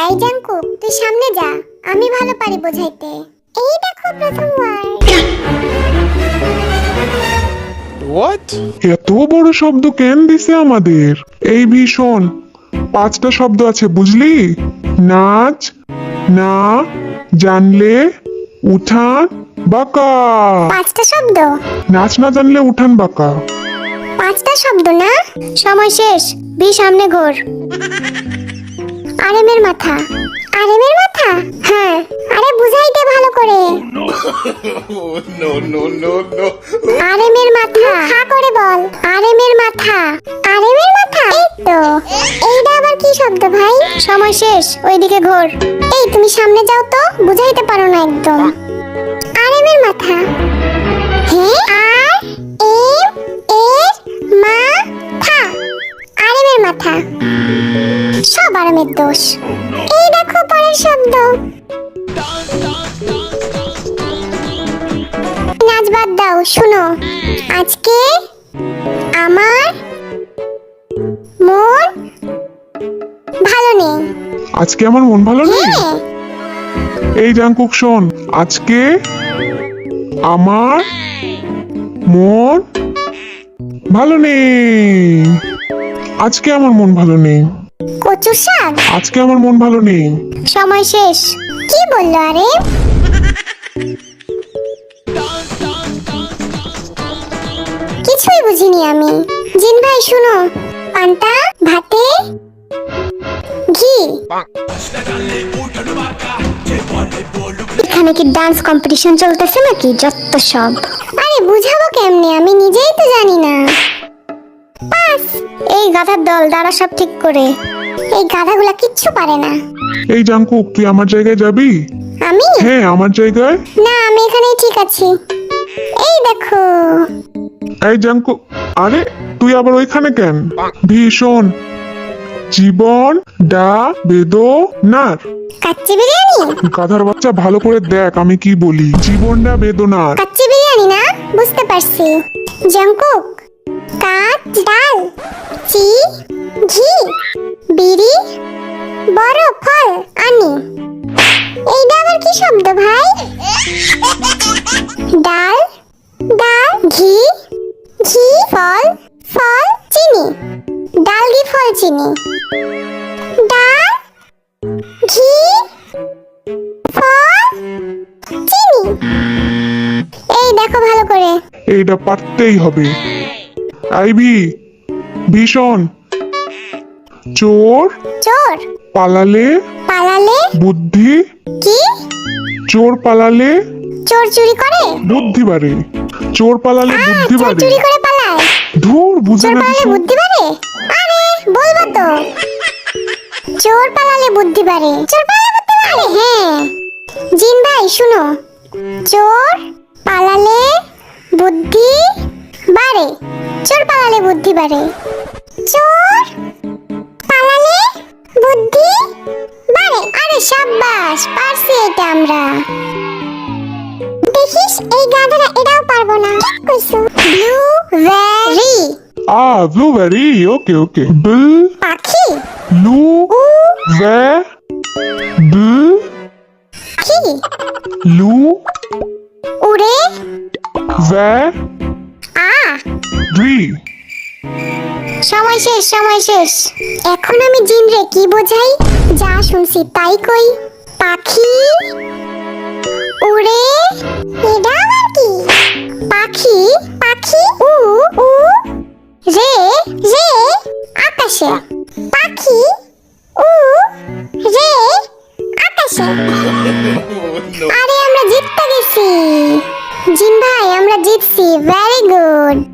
এই জাঙ্কু, তুই সামনে যা, আমি ভালো পারি বোঝাইতে। এই দেখো প্রথম ওয়ার্ড। What? এত বড় শব্দ কেন দিছে আমাদের? এই ভীষণ 5টা শব্দ আছে বুঝলি? নাচ, না, জানলে, উঠান, বাঁকা। 5টা শব্দ? নাচ না জানলে উঠান বাঁকা। 5টা শব্দ না? সময় শেষ, বি সামনে ঘোর। আরেমের মাথা। আরেমের মাথা? হ্যাঁ, আরে বুঝাইতে ভালো করে। No. আরেমের মাথা, হা করে বল। আরেমের মাথা। আরেমের মাথা? এই তো। এইটা আবার কি শব্দ ভাই? সময় শেষ, ওইদিকে ঘোর। এই তুমি সামনে যাও তো, বুঝাইতে পারো না একদম। আরেমের মাথা। হ্যাঁ, আর এম এর মাথা। আরেমের মাথা। সব আরামের দোষ। এই দেখো পরের শব্দ। নাচ বাদ দাও, শুনো। আজকে আমার মন ভালো নেই। আজকে আমার মন ভালো নেই। হ্যাঁ, এই জাঙ্কুক শোন, আজকে আমার মন ভালো নেই। আজকে আমার মন ভালো নেই। কচু শাক। আজকে আমার মন ভালো নেই। সময় শেষ। কি বললো আরে? কিছুই বুঝিনি আমি। জিন ভাই শুনো, পান্তা ভাতে ঘি। এখানে কি ডান্স কম্পিটিশন চলতেছে নাকি? যত সব। আরে বুঝাবো কেমনে, আমি নিজেই তো জানি না। পাস। এই গাধার দল, দাঁড়া সব ঠিক করে। এই গাধাগুলা কিচ্ছু পারে না। এই জাঙ্কুক, তুই আমার জায়গায় যাবি? আমি? হ্যাঁ, আমার জায়গায়। না, আমি এখানেই ঠিক আছি। এই দেখো। এই জাঙ্কুক, আরে তুই আবার ওইখানে কেন? ভীষণ জীবন ডা বেদনার। কাচ্চি বিরিয়ানি? গাধার বাচ্চা, ভালো করে দেখ আমি কি বলি। জীবনটা বেদনার। কাচ্চি বিরিয়ানি না? বুঝতে পারছি। জাঙ্কুক, কাচ ডাল, চি ঘি, বিড়ি, বড় ফল আনি। এইটা আবার কি শব্দ ভাই? ডাল, ডাল, ঘি, ঘি, ফল, ফল, চিনি। ডাল, ঘি, ফল, চিনি। ডাল, ঘি, ফল, চিনি। এই দেখো ভালো করে। এইটা পারতেই হবে। আইভি, ভীষণ চোর চোর পালালে পালালে বুদ্ধি। কি? চোর পালালে চোর চুরি করে? বুদ্ধি বাড়ে। চোর পালালে বুদ্ধি চোর বাড়ে। চুরি করে পালায়? ধুর, বুঝে চোর না পালালে ভীষণ। বুদ্ধি বাড়ে? আরে বলবো তো। চোর পালালে বুদ্ধি বাড়ে। চোর পালালে বুদ্ধি বাড়ে? হ্যাঁ। জিন ভাই শুনো, চোর পালালে বুদ্ধি বাড়ে। চোর পালালে বুদ্ধি বাড়ে। চোর পালালে বুদ্ধি বাড়ে। আরে সাব্বাস, পারছি এটা আমরা। দেখিস, এই গাধারা এটাও পারবো না। ঠিক কইছো। Blueberry blueberry. ওকে বিল পাখি। লু ভে বিল কি? লু উড়ে ভে আ। ভি। সময় শেষ, সময় শেষ। এখন আমি জিন রে কি বোঝাই? যা শুনছি তাই কই। পাখি উড়ে, এটা আবার কি? পাখি, পাখি উ উ রে রে আকাশে। পাখি উ রে আকাশে। আরে আমরা জিততে গেছি। জিন ভাই, আমরা জিতছি। Very good.